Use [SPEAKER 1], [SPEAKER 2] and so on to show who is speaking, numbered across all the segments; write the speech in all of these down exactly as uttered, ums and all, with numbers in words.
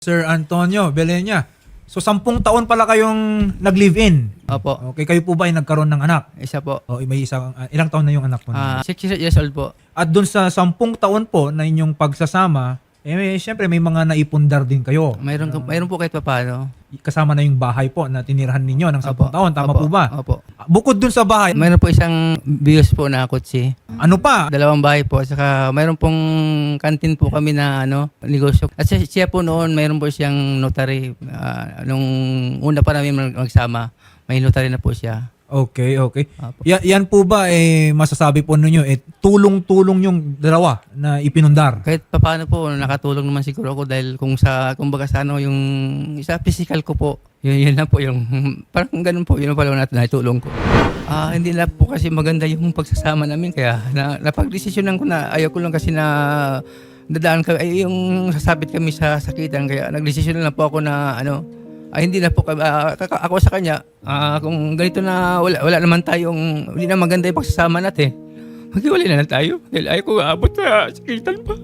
[SPEAKER 1] Sir Antonio Belenya. So, sampung taon pala kayong nag-live-in.
[SPEAKER 2] Opo.
[SPEAKER 1] Okay, kayo po ba ay nagkaroon ng anak?
[SPEAKER 2] Isa po.
[SPEAKER 1] O may isang, uh, ilang taon na yung anak po?
[SPEAKER 2] Ah, six years old po.
[SPEAKER 1] At dun sa sampung taon po na inyong pagsasama, eh, may, syempre may mga naipundar din kayo.
[SPEAKER 2] Mayroon, uh, mayroon po kahit papaano.
[SPEAKER 1] Kasama na yung bahay po na tinirahan ninyo ng sampung
[SPEAKER 2] Opo.
[SPEAKER 1] taon. Tama
[SPEAKER 2] Opo.
[SPEAKER 1] po ba?
[SPEAKER 2] Opo.
[SPEAKER 1] Bukod dun sa bahay,
[SPEAKER 2] Mayroon po isang bios po na kotse.
[SPEAKER 1] ano pa?
[SPEAKER 2] Dalawang bahay po. Saka mayroon pong kantin po kami na ano, negosyo. At siya, siya po noon, mayroon po siyang notary. Ah, nung una pa namin mag- magsama, may notary na po siya.
[SPEAKER 1] Okay, okay.
[SPEAKER 2] Opo.
[SPEAKER 1] Ya, yan po ba eh masasabi po ninyo eh tulong-tulong yung dalawa na ipinundar?
[SPEAKER 2] Kahit papaano po, nakatulong naman siguro ako dahil kung sa, kumbaga sa ano, yung sa physical ko po, yun, yun lang po yung, parang ganun po, yun pala natin natulong ko. Ah, hindi na po kasi maganda yung pagsasama namin, kaya na, napag-desisyonan ko na ayaw ko lang kasi na dadaan ka, ay yung sasabit kami sa sakitan, kaya nag-desisyon na lang po ako na ano, ay hindi na po kami, ah, kaka- ako sa kanya, ah, kung ganito na wala, wala naman tayong, hindi na maganda yung pagsasama natin, maghiwalay na lang tayo, dahil ayaw ko aabot sa sakitan pa.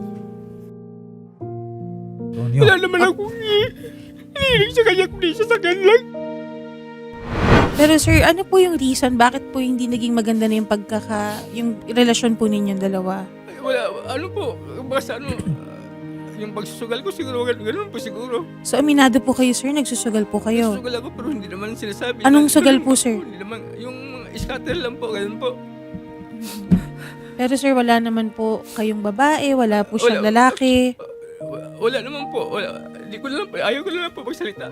[SPEAKER 1] Antonio.
[SPEAKER 2] Wala naman akong hinihiling sa kanya kundi siya sa lang.
[SPEAKER 3] Pero sir, ano po yung reason bakit po hindi naging maganda na yung pagkaka yung relasyon po ninyong dalawa?
[SPEAKER 2] Ay, wala, ano po, basta ano, yung pagsusugal ko siguro, ganun, ganun po siguro.
[SPEAKER 3] So aminado po kayo sir, nagsusugal po kayo.
[SPEAKER 2] Nagsusugal ako pero hindi naman sinasabi.
[SPEAKER 3] Anong
[SPEAKER 2] Na-
[SPEAKER 3] sugal
[SPEAKER 2] ganun
[SPEAKER 3] po, sir?
[SPEAKER 2] Hindi naman, yung scatter lang po, ganun po.
[SPEAKER 3] Pero sir, wala naman po kayong babae, wala po siyang
[SPEAKER 2] Wala.
[SPEAKER 3] lalaki.
[SPEAKER 2] Wala, wala naman po, wala. Hindi ko lang po, ayaw ko lang po magsalita.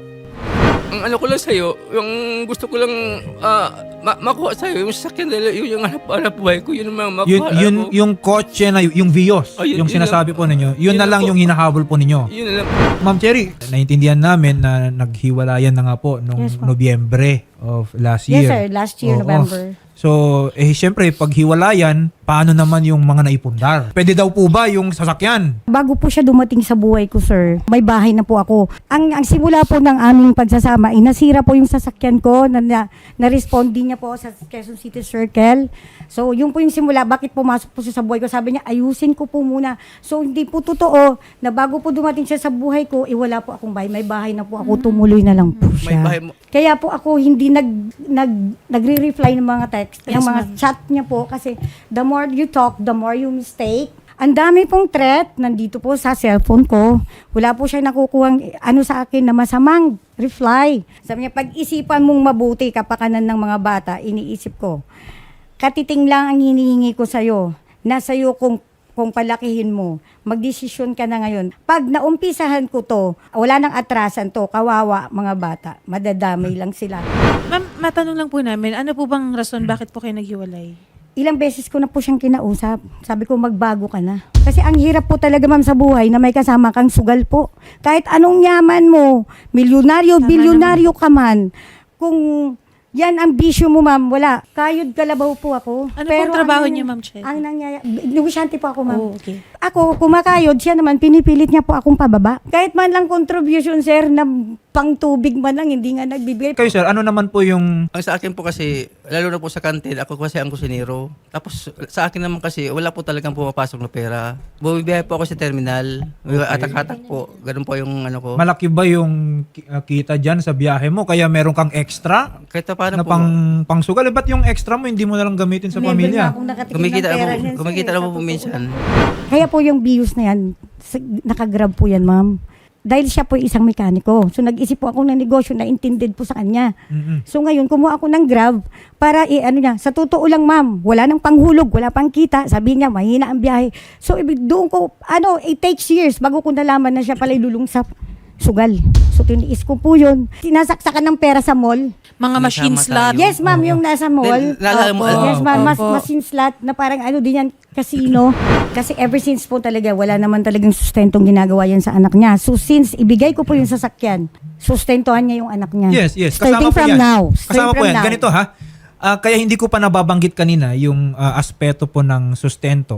[SPEAKER 2] Ang ano ko lang sa'yo, yung gusto ko lang ah, ma- makuha sa'yo, yung sasakyan dahil yun yung hanap-hanap buhay ko, yun naman makuha
[SPEAKER 1] Yun, yun
[SPEAKER 2] ako.
[SPEAKER 1] yung kotse na y- yung Vios,
[SPEAKER 2] Oh, yun-
[SPEAKER 1] yung
[SPEAKER 2] yun
[SPEAKER 1] sinasabi
[SPEAKER 2] lang-
[SPEAKER 1] po ninyo. Yun
[SPEAKER 2] yun
[SPEAKER 1] na lang
[SPEAKER 2] lang po.
[SPEAKER 1] yung hinahabol po ninyo.
[SPEAKER 2] Yun na lang.
[SPEAKER 1] Ma'am Cherry, naintindihan namin na naghiwalayan na nga po nung
[SPEAKER 4] Yes, ma'am.
[SPEAKER 1] Nobyembre of last year.
[SPEAKER 4] Yes, sir. Last year,
[SPEAKER 1] Oo.
[SPEAKER 4] November.
[SPEAKER 1] So, eh syempre, pag hiwalayan, paano naman yung mga naipundar? Pwede daw po ba yung sasakyan?
[SPEAKER 4] Bago po siya dumating sa buhay ko, sir, may bahay na po ako. Ang, ang simula po ng aming pagsasama, inasira po yung sasakyan ko, na, na, na-respond din niya po sa Quezon City Circle. So, yun po yung simula. Bakit pumasok po siya sa buhay ko? Sabi niya, ayusin ko po muna. So, hindi po totoo na bago po dumating siya sa buhay ko, eh wala po akong bahay. May bahay na po ako, tumuloy na lang po
[SPEAKER 2] May
[SPEAKER 4] siya.
[SPEAKER 2] bahay mo.
[SPEAKER 4] Kaya po ako hindi nag, nag, nagre-reply ng mga text,
[SPEAKER 3] Yes,
[SPEAKER 4] ng mga
[SPEAKER 3] ma'am.
[SPEAKER 4] chat niya po kasi the more you talk, the more you mistake. Ang dami pong threat nandito po sa cellphone ko. Wala po siya nakukuhang ano sa akin na masamang reply. Sabi niya, pag-isipan mong mabuti kapakanan ng mga bata, iniisip ko. Katiting lang ang hinihingi ko sa'yo. Nasa iyo kung kung palakihin mo, magdesisyon ka na ngayon. Pag naumpisahan ko to, wala nang atrasan to, kawawa mga bata, madadamay lang sila.
[SPEAKER 3] Ma'am, matanong lang po namin, ano po bang rason bakit po kayo naghiwalay?
[SPEAKER 4] Ilang beses ko na po siyang kinausap. Sabi ko, magbago ka na. Kasi ang hirap po talaga, ma'am, sa buhay na may kasama kang sugal po. Kahit anong yaman mo, milyonaryo,
[SPEAKER 3] Tama
[SPEAKER 4] bilyonaryo ka man, kung yan ang bisyo mo, ma'am, wala. Kayod kalabaw po ako.
[SPEAKER 3] Ano pong trabaho
[SPEAKER 4] ang-
[SPEAKER 3] niyo, Ma'am Chen?
[SPEAKER 4] Ang nangyayari, negosyante po ako, ma'am.
[SPEAKER 3] Oh, okay.
[SPEAKER 4] Ako, kumakayod, siya naman, pinipilit niya po akong pababa. Kahit man lang contribution, sir, na pang tubig man lang, hindi nga nagbibigay.
[SPEAKER 1] Kayo sir, ano naman po yung...
[SPEAKER 2] Ang sa akin po kasi, lalo na po sa kantin, ako kasi ang kusinero. Tapos sa akin naman kasi, wala po talagang pumapasok na pera. Bumibiyahe po ako sa terminal. Atak-atak po. Ganun po yung ano ko.
[SPEAKER 1] Malaki ba yung ki- uh, kita dyan sa biyahe mo? Kaya meron kang extra
[SPEAKER 2] Kahit pa paano
[SPEAKER 1] na
[SPEAKER 2] po.
[SPEAKER 1] pang, pang sugal? Eh, ba't yung extra mo hindi mo na lang gamitin sa
[SPEAKER 4] Never
[SPEAKER 1] pamilya?
[SPEAKER 4] na akong nakatikim
[SPEAKER 2] Kumikita
[SPEAKER 4] ng
[SPEAKER 2] na po,
[SPEAKER 4] pera niyan, sir,
[SPEAKER 2] kumikita na
[SPEAKER 4] sa
[SPEAKER 2] po po
[SPEAKER 4] totoo
[SPEAKER 2] minsan.
[SPEAKER 4] Kaya po yung bios na yan, sa- nakagrab po yan, ma'am. Dahil siya po yung isang mekaniko. So nag-isip po ako ng negosyo na intended po sa kanya.
[SPEAKER 1] Mm-mm.
[SPEAKER 4] So ngayon, kumuha ako ng grab para i ano niya, sa totoo lang, ma'am, wala nang panghulog, wala pang kita. Sabi niya, mahina ang biyahe. So ibig doon ko, ano, it takes years bago ko nalaman na siya pala ilulong sa sugal. So tiniis ko po yun. Sinasaksakan ng pera sa mall.
[SPEAKER 3] Mga
[SPEAKER 2] May
[SPEAKER 3] machine
[SPEAKER 2] tama
[SPEAKER 3] slot.
[SPEAKER 2] tayo.
[SPEAKER 4] Yes, ma'am, yung nasa mall.
[SPEAKER 2] Then, naalala mo,
[SPEAKER 3] Opo.
[SPEAKER 2] ano,
[SPEAKER 4] Yes, ma'am, mas
[SPEAKER 3] Opo.
[SPEAKER 4] machine slot na parang ano din yan, casino. Kasi ever since po talaga, wala naman talagang sustentong ginagawa yan sa anak niya. So since ibigay ko po yung sasakyan, sustentuhan niya yung anak niya.
[SPEAKER 1] Yes, yes.
[SPEAKER 4] Starting
[SPEAKER 1] Kasama po
[SPEAKER 4] from
[SPEAKER 1] yan.
[SPEAKER 4] now.
[SPEAKER 1] Kasama
[SPEAKER 4] Starting
[SPEAKER 1] po
[SPEAKER 4] from
[SPEAKER 1] yan.
[SPEAKER 4] now.
[SPEAKER 1] Ganito ha. Ah, kaya hindi ko pa nababanggit kanina yung ah, aspeto po ng sustento.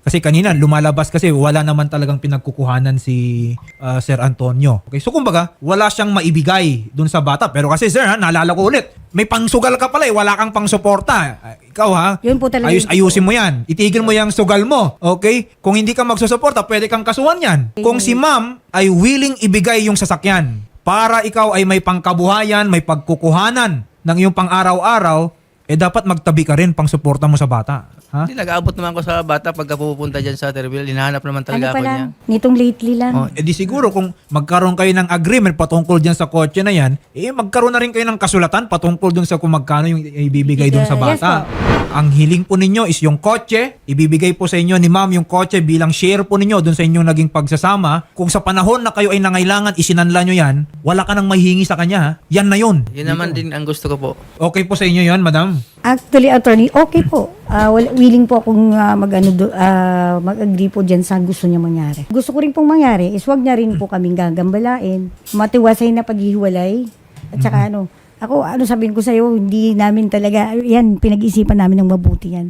[SPEAKER 1] Kasi kanina lumalabas kasi wala naman talagang pinagkukuhanan si ah, Sir Antonio. Okay, so kumbaga, wala siyang maibigay dun sa bata. Pero kasi sir, ha, naalala ko ulit, may pangsugal ka pala eh, wala kang pangsuporta. Ah, Ikaw ha,
[SPEAKER 4] Yun po talaga
[SPEAKER 1] ayus,
[SPEAKER 4] yung-
[SPEAKER 1] ayusin mo yan. Itigil mo yung sugal mo. Okay? Kung hindi ka magsusuporta, pwede kang kasuhan yan. Kung si ma'am ay willing ibigay yung sasakyan para ikaw ay may pangkabuhayan, may pagkukuhanan ng iyong pang-araw-araw, eh dapat magtabi ka rin pang suporta mo sa bata. Ha?
[SPEAKER 2] Hindi, nag-aabot naman ako sa bata pagka pupunta dyan sa Terville. Hinahanap naman
[SPEAKER 4] Ano
[SPEAKER 2] talaga
[SPEAKER 4] pa
[SPEAKER 2] ako
[SPEAKER 4] lang,
[SPEAKER 2] niya.
[SPEAKER 4] nitong lately lang.
[SPEAKER 2] Oh,
[SPEAKER 1] Eh di siguro kung magkaroon kayo ng agreement patungkol dyan sa kotse na yan, eh magkaroon na rin kayo ng kasulatan patungkol dun sa kung magkano yung ibibigay dun sa
[SPEAKER 4] Yes
[SPEAKER 1] bata.
[SPEAKER 4] po.
[SPEAKER 1] Ang hiling po ninyo is yung kotse, ibibigay po sa inyo ni ma'am yung kotse bilang share po ninyo dun sa inyong naging pagsasama. Kung sa panahon na kayo ay nangailangan, isinanla nyo yan, wala ka nang mahihingi sa kanya, ha? Yan na yun.
[SPEAKER 2] Yun naman din ang gusto ko po.
[SPEAKER 1] Okay po sa inyo yan, madam?
[SPEAKER 4] Actually, attorney, okay po. Ah, wala- willing po akong ah, mag, ano, do- ah, mag-agree po dyan sa gusto niya mangyari. Gusto ko rin pong mangyari is wag niya rin po kaming gagambalain. Matiwasay na paghihiwalay. At saka ano, ako, ano sabihin ko sa'yo, hindi namin talaga, yan, pinag-isipan namin ng mabuti yan.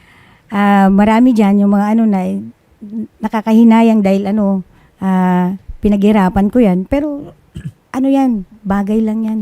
[SPEAKER 4] Ah, marami dyan yung mga ano na, eh, nakakahinayang dahil ano, ah, pinaghirapan ko yan. Pero, ano yan, bagay lang yan.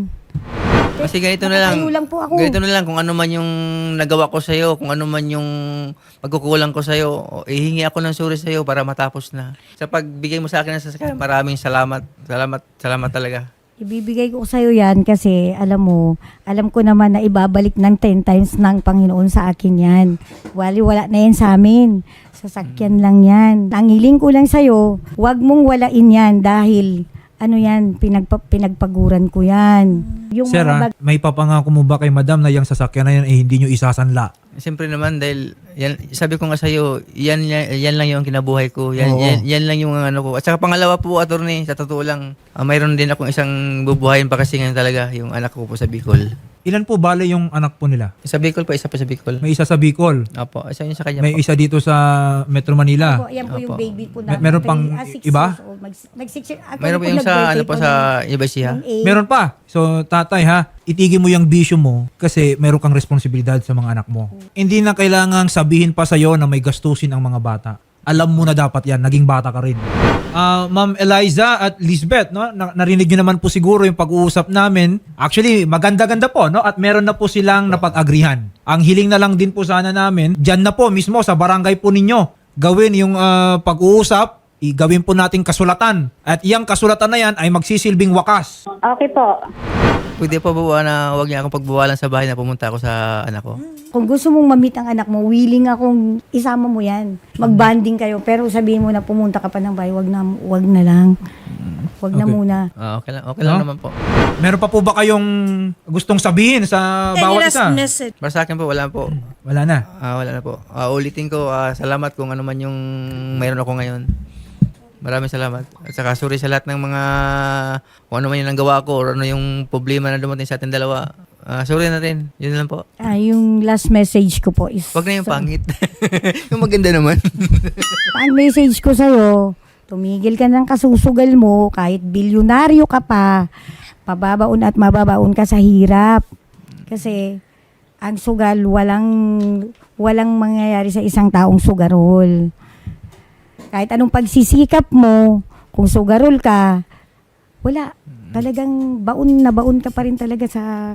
[SPEAKER 2] Kasi ganito na lang.
[SPEAKER 4] Nakatayo lang po ako.
[SPEAKER 2] Ganito na lang kung ano man yung nagawa ko sa'yo, kung ano man yung pagkukulang ko sa'yo, o ihingi ako ng sorry sa'yo para matapos na. Sa pagbigay mo sa akin ng sasakyan, maraming salamat. Salamat, salamat talaga.
[SPEAKER 4] Ibibigay ko sa'yo yan kasi alam mo, alam ko naman na ibabalik ng ten times ng Panginoon sa akin yan. Wali, wala na yan sa amin. Sasakyan lang yan. Ang hiling ko lang sa'yo, wag mong walain yan dahil ano yan, pinagpa, pinagpaguran ko yan. Yung
[SPEAKER 1] Sir,
[SPEAKER 4] mga
[SPEAKER 1] ha,
[SPEAKER 4] bag-
[SPEAKER 1] may papangako mo ba kay madam na yung sasakyan na yan eh hindi nyo isasanla?
[SPEAKER 2] Siyempre naman dahil yan, sabi ko nga sa'yo, yan, yan, yan lang yung kinabuhay ko. Yan,
[SPEAKER 1] Oo.
[SPEAKER 2] yan, yan lang yung ano ko. At saka pangalawa po, attorney, sa totoo lang, ah, mayroon din akong isang bubuhayin pa kasi ngayon talaga, yung anak ko po sa Bicol.
[SPEAKER 1] Ilan po bale yung anak po nila?
[SPEAKER 2] Sa Bicol pa, isa pa sa Bicol.
[SPEAKER 1] May isa sa Bicol,
[SPEAKER 2] Opo, isa yun sa kanya
[SPEAKER 1] may
[SPEAKER 2] po.
[SPEAKER 1] isa dito sa Metro Manila.
[SPEAKER 4] Opo, yan po yung
[SPEAKER 2] Opo.
[SPEAKER 4] baby ko
[SPEAKER 1] Mer-
[SPEAKER 4] na.
[SPEAKER 1] meron pang iba?
[SPEAKER 4] Mag, mag six years. Ako
[SPEAKER 2] Mayroon po
[SPEAKER 4] po
[SPEAKER 2] yung sa,
[SPEAKER 4] nag-birthday
[SPEAKER 2] ano po,
[SPEAKER 4] po
[SPEAKER 2] sa
[SPEAKER 4] ng-
[SPEAKER 2] Ibasiha.
[SPEAKER 4] ng eight.
[SPEAKER 1] Meron pa. So, tatay ha, itigil mo yung bisyo mo kasi meron kang responsibilidad sa mga anak mo. Hindi na kailangang sabihin pa sa'yo na may gastusin ang mga bata. Alam mo na dapat yan, naging bata ka rin. Ah, Ma'am Eliza at Lisbeth, no? Na- narinig nyo naman po siguro yung pag-uusap namin. Actually, maganda-ganda po, no? At meron na po silang napag-agrihan. Ang hiling na lang din po sana namin, dyan na po mismo sa barangay po ninyo, gawin yung ah, pag-uusap, i- gawin po nating kasulatan. At yung kasulatan na yan ay magsisilbing wakas.
[SPEAKER 5] Okay po.
[SPEAKER 2] Pwede po ba na huwag niya akong pagbawalan sa bahay na pumunta ako sa anak ko?
[SPEAKER 4] Kung gusto mong mamit ang anak mo, willing akong isama mo yan. Mag-bonding kayo. Pero sabihin mo na pumunta ka pa ng bahay, wag na, wag na lang. Wag na
[SPEAKER 1] Okay.
[SPEAKER 4] muna.
[SPEAKER 2] Ah, okay lang, okay lang
[SPEAKER 1] No?
[SPEAKER 2] naman po.
[SPEAKER 1] Meron pa po ba kayong gustong sabihin sa
[SPEAKER 3] Any
[SPEAKER 1] bawat
[SPEAKER 3] last
[SPEAKER 1] isa?
[SPEAKER 3] message?
[SPEAKER 2] Para sa akin po, wala po.
[SPEAKER 1] Wala na.
[SPEAKER 2] Ah, wala na po. Ah, ulitin ko, ah, salamat kung ano man yung mayroon ako ngayon. Maraming salamat. At saka sorry sa lahat ng mga kung ano man yung nagawa ko or ano yung problema na dumating sa ating dalawa. Ah, sorry na rin. Yun lang po.
[SPEAKER 4] Ah, yung last message ko po is...
[SPEAKER 2] Wag na yung pangit. Yung maganda naman.
[SPEAKER 4] Ang message ko sa'yo, tumigil ka ng kasusugal mo, kahit bilyonaryo ka pa, pababaon at mababaon ka sa hirap. Kasi ang sugal, walang, walang mangyayari sa isang taong sugarol. Kahit anong pagsisikap mo, kung sugarol ka, wala. Talagang baon na baon ka pa rin talaga sa...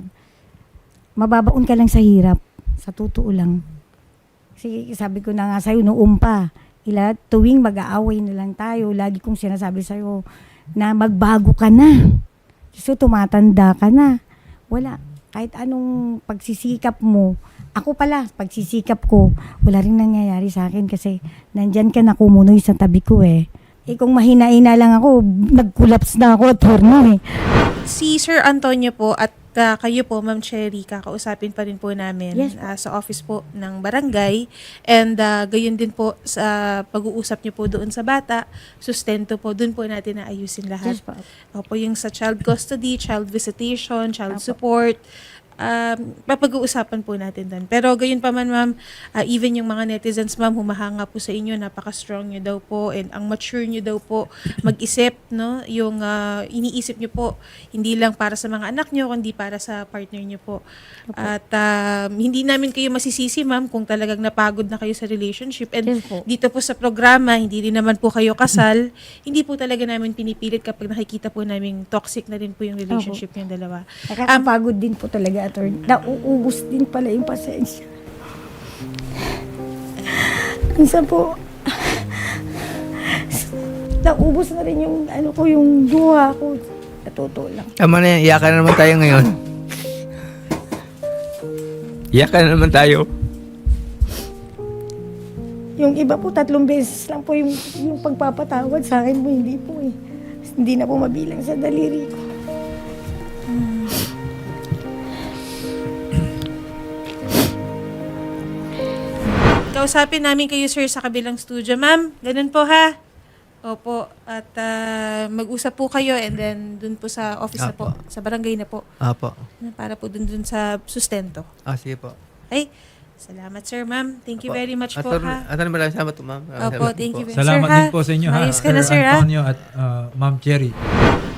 [SPEAKER 4] Mababaon ka lang sa hirap. Sa totoo lang. Kasi sabi ko na nga sa'yo noong pa, ila tuwing mag-aaway na lang tayo, lagi kong sinasabi sa'yo na magbago ka na. So tumatanda ka na. Wala. Kahit anong pagsisikap mo, ako pala, pagsisikap ko, wala rin nangyayari sa akin kasi nandyan ka na kumunoy sa tabi ko eh. Eh kung mahina-ina lang ako, nag-collapse na ako, attorney eh.
[SPEAKER 3] Si Sir Antonio po at ah, kayo po, Ma'am Cherry, kakausapin pa rin po namin
[SPEAKER 4] Yes.
[SPEAKER 3] ah, sa office po ng barangay. And ah, gayon din po sa pag-uusap niyo po doon sa bata, sustento po, doon po natin naayusin lahat.
[SPEAKER 4] Yes po.
[SPEAKER 3] Opo, yung sa child custody, child visitation, child
[SPEAKER 4] Apo.
[SPEAKER 3] support, um, papag-uusapan po natin doon. Pero gayon pa man, ma'am, ah, even yung mga netizens, ma'am, humahanga po sa inyo, napaka-strong nyo daw po, and ang mature nyo daw po mag-isip, no? Yung ah, iniisip nyo po, hindi lang para sa mga anak nyo, kundi para sa partner nyo po. At um, hindi namin kayo masisisi, ma'am, kung talagang napagod na kayo sa relationship. And
[SPEAKER 4] Yes po.
[SPEAKER 3] dito po sa programa, hindi rin naman po kayo kasal, hindi po talaga namin pinipilit kapag nakikita po namin toxic na rin po yung relationship yung dalawa.
[SPEAKER 4] Nakakapagod din po talaga, attorney. Nauubos din pala yung pasensya. Minsan po, naubos na rin yung, ano ko, yung duha ko. Natuto lang.
[SPEAKER 2] Tama na yan, iyakan na naman tayo ngayon. Iyakan na naman tayo.
[SPEAKER 4] Yung iba po, tatlong beses lang po yung, yung pagpapatawad sa akin po, hindi po eh. Hindi na po mabilang sa daliri ko.
[SPEAKER 3] Kausapin namin kayo, sir, sa kabilang studio. Ma'am, ganun po ha. Opo. At ah, mag-usap po kayo and then dun po sa office na po,
[SPEAKER 2] Apo.
[SPEAKER 3] sa barangay na po.
[SPEAKER 2] Apo.
[SPEAKER 3] Para po dun dun sa sustento.
[SPEAKER 2] Ah, sige po.
[SPEAKER 3] Okay? Salamat, sir, ma'am. Thank you
[SPEAKER 2] Apo.
[SPEAKER 3] very much po,
[SPEAKER 2] Attorney-
[SPEAKER 3] ha.
[SPEAKER 2] Attorney, maraming salamat po, ma'am. Maraming
[SPEAKER 3] Opo,
[SPEAKER 2] salamat
[SPEAKER 3] thank
[SPEAKER 2] po.
[SPEAKER 3] you very
[SPEAKER 1] Salamat
[SPEAKER 3] sir, ha?
[SPEAKER 1] din po sa inyo ha,
[SPEAKER 3] Ayos ka
[SPEAKER 1] Sir
[SPEAKER 3] na, sir, ha?
[SPEAKER 1] Antonio at uh, Ma'am Cherry.